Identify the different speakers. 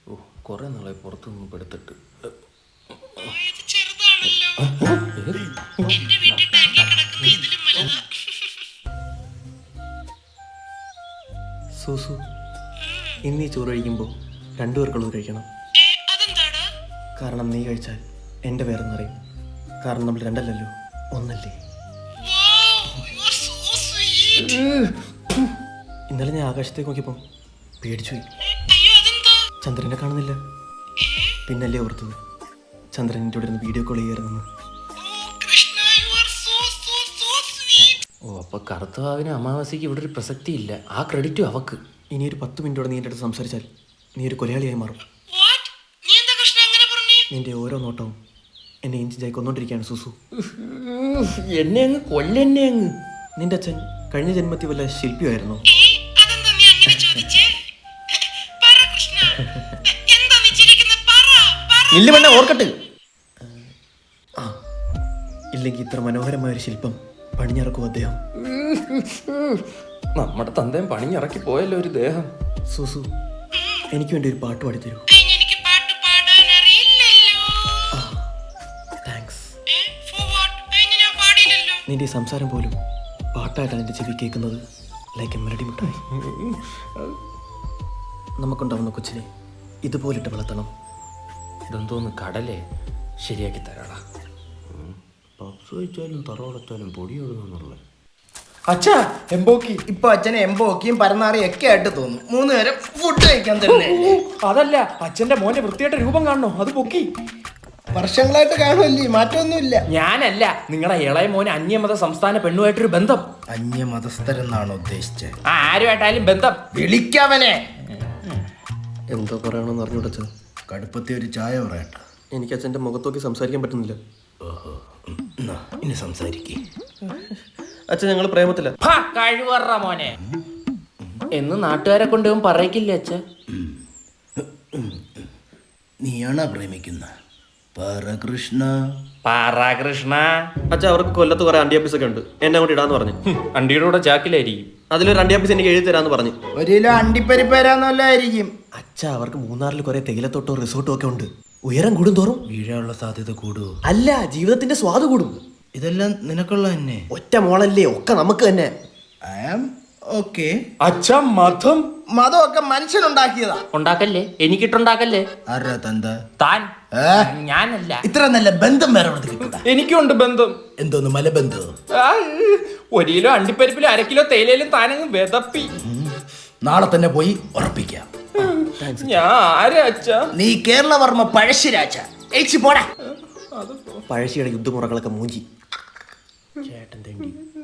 Speaker 1: ഓ കുറെ നാളെ പുറത്തുനിന്ന് പെടുത്തിട്ട്. സൂസു, ഇന്നീ ചോറ് കഴിക്കുമ്പോൾ രണ്ടുപേർക്കുള്ളത് കഴിക്കണം. കാരണം നീ കഴിച്ചാൽ എൻ്റെ പേരെന്നറിയും. കാരണം നമ്മൾ രണ്ടല്ലല്ലോ, ഒന്നല്ലേ. ഇന്നലെ ഞാൻ ആകാശത്തേക്ക് നോക്കിയപ്പം പേടിച്ചു പോയി. ചന്ദ്രനെ കാണുന്നില്ല. പിന്നല്ലേ ഓർത്തത് ചന്ദ്രൻ എൻ്റെ ഇവിടെ ഇരുന്ന് വീഡിയോ കോൾ ചെയ്യാറുണ്ടെന്ന്. ഓ അപ്പൊ കറുത്തവാവിന് അമാവാസിക്ക് ഇവിടെ ഒരു പ്രസക്തി ഇല്ല. ആ ക്രെഡിറ്റും അവക്ക്. ഇനി ഒരു 10 മിനിറ്റോടെ നീ എൻ്റെ അടുത്ത് സംസാരിച്ചാൽ നീ ഒരു കൊലയാളിയായി മാറും. നിന്റെ ഓരോ നോട്ടവും എന്നെ ഇഞ്ചിഞ്ചായി കൊന്നോണ്ടിരിക്കുകയാണ് സൂസു. എന്നെ അങ്ങ് കൊല്ലെന്നെ അങ്ങ്. നിന്റെ അച്ഛൻ കഴിഞ്ഞ ജന്മത്തിൽ വല്ല ശില്പിയായിരുന്നു. ഇല്ല ഓർക്കട്ടെ. ആ ഇല്ലെങ്കിൽ ഇത്ര മനോഹരമായ ഒരു ശില്പം പണിഞ്ഞിറക്കും അദ്ദേഹം. നമ്മുടെ തന്തയും പണിഞ്ഞിറക്കി പോയല്ലോ ഒരു ദേഹം. സൂസു, എനിക്ക് വേണ്ടി ഒരു പാട്ട് പാടിത്തരൂ. താങ്ക്സ്. നിന്റെ ഈ സംസാരം പോലും പാട്ടായിട്ടാണ് എൻ്റെ ചെവി കേൾക്കുന്നത്. ലൈക്ക് എ മെലഡി മിഠായി. നമുക്കുണ്ടാവുന്ന കൊച്ചിനെ ഇതുപോലിട്ട് വളർത്തണം. ഇതെന്തോന്ന് കടലേ ശരിയാക്കി തരാടാ. പപ്സ് കഴിച്ചാലും തറവടച്ചാലും പൊടി ഒഴുകുന്നുള്ള
Speaker 2: അച്ഛാ എംബോക്കി. ഇപ്പൊ അച്ഛനെ എംബോക്കിയും പരന്നാറിയും ഒക്കെ ആയിട്ട് തോന്നും. 3 നേരം ഫുഡ് കഴിക്കാൻ തന്നെ.
Speaker 3: അതല്ല, അച്ഛന്റെ മോനെ വൃത്തിയായിട്ട് രൂപം കാണണോ? അത് പൊക്കി.
Speaker 2: വർഷങ്ങളായിട്ട് കാണുമല്ലേ, മാറ്റമൊന്നുമില്ല.
Speaker 3: ഞാനല്ല, നിങ്ങളുടെ ഇളയ മോന് അന്യമത സംസ്ഥാന പെണ്ണുമായിട്ടൊരു ബന്ധം.
Speaker 2: അന്യമതസ്ഥരെന്നാണോ ഉദ്ദേശിച്ചത്?
Speaker 3: ആരുമായിട്ടായാലും ബന്ധം.
Speaker 2: വിളിക്കവനെ.
Speaker 1: എന്തോ പറയണമെന്ന് അറിഞ്ഞുടച്ചത്.
Speaker 2: കടുപ്പത്തെ ഒരു ചായ പറയട്ടെ.
Speaker 1: എനിക്ക് അച്ഛൻ്റെ മുഖത്തോക്കി സംസാരിക്കാൻ പറ്റുന്നില്ല.
Speaker 2: ഇനി സംസാരിക്കേ.
Speaker 1: അച്ഛൻ ഞങ്ങൾ പ്രേമത്തില്ല.
Speaker 3: കഴിവറ മോനെ എന്ന് നാട്ടുകാരെ കൊണ്ടുപോകും പറയിക്കില്ലേ അച്ഛ?
Speaker 2: നീയാണോ പ്രേമിക്കുന്ന? പരകൃഷ്ണ.
Speaker 1: അച്ഛൻ അവർക്ക് കൊല്ലത്ത് കുറെ അണ്ടിയാപ്പീസ് ഒക്കെ ഉണ്ട്. എന്നെ അങ്ങോട്ട് ഇടാന്ന് പറഞ്ഞു.
Speaker 3: അണ്ടിയുടെ കൂടെ ചാക്കിലായിരിക്കും.
Speaker 1: അതിലൊരു അണ്ടിയാപ്പീസ് എനിക്ക് എഴുതി തരാന്ന് പറഞ്ഞു.
Speaker 2: 1 കിലോ അണ്ടിപ്പരിപ്പരാന്നല്ലായിരിക്കും.
Speaker 1: അച്ഛ അവർക്ക് മൂന്നാറിൽ കുറെ തേയിലത്തോട്ടോ റിസോർട്ടും ഒക്കെ ഉണ്ട്. ഉയരം കൂടും തോറും
Speaker 2: വീഴാനുള്ള സാധ്യത കൂടുവോ?
Speaker 1: അല്ല, ജീവിതത്തിന്റെ സ്വാദ് കൂടും.
Speaker 2: ഇതെല്ലാം നിനക്കുള്ള തന്നെ.
Speaker 1: ഒറ്റ മോളല്ലേ, ഒക്കെ നമുക്ക് തന്നെ.
Speaker 2: I am okay.
Speaker 3: അച്ഛ മതം
Speaker 2: മതമൊക്കെ മനുഷ്യനുണ്ടാക്കിയതാ.
Speaker 3: ഉണ്ടാക്കല്ലേ, എനിക്കിട്ടുണ്ടാക്കല്ലേ.
Speaker 2: ആരാ തന്ത?
Speaker 3: താൻ. ഞാനല്ല.
Speaker 2: ഇത്ര നല്ല ബന്ധം വേറെ കിട്ടൂടാ.
Speaker 3: എനിക്കുണ്ട് ബന്ധം.
Speaker 2: എന്തോന്ന് മലബന്ധം?
Speaker 3: 1 കിലോ അണ്ടിപ്പരിപ്പിലും 1/2 കിലോ തേയിലയിലും താനങ്ങ് വെതപ്പി.
Speaker 2: നാളെ തന്നെ പോയി ഉറപ്പിക്കാം.
Speaker 3: ഞാൻ ആരാ അച്ഛ?
Speaker 2: നീ കേരളവർമ്മ പഴശ്ശിരാജ. പോടാ.
Speaker 1: പഴശ്ശിയുടെ യുദ്ധമുറകളൊക്കെ മൂഞ്ചി. ചേട്ടൻ തേണ്ടി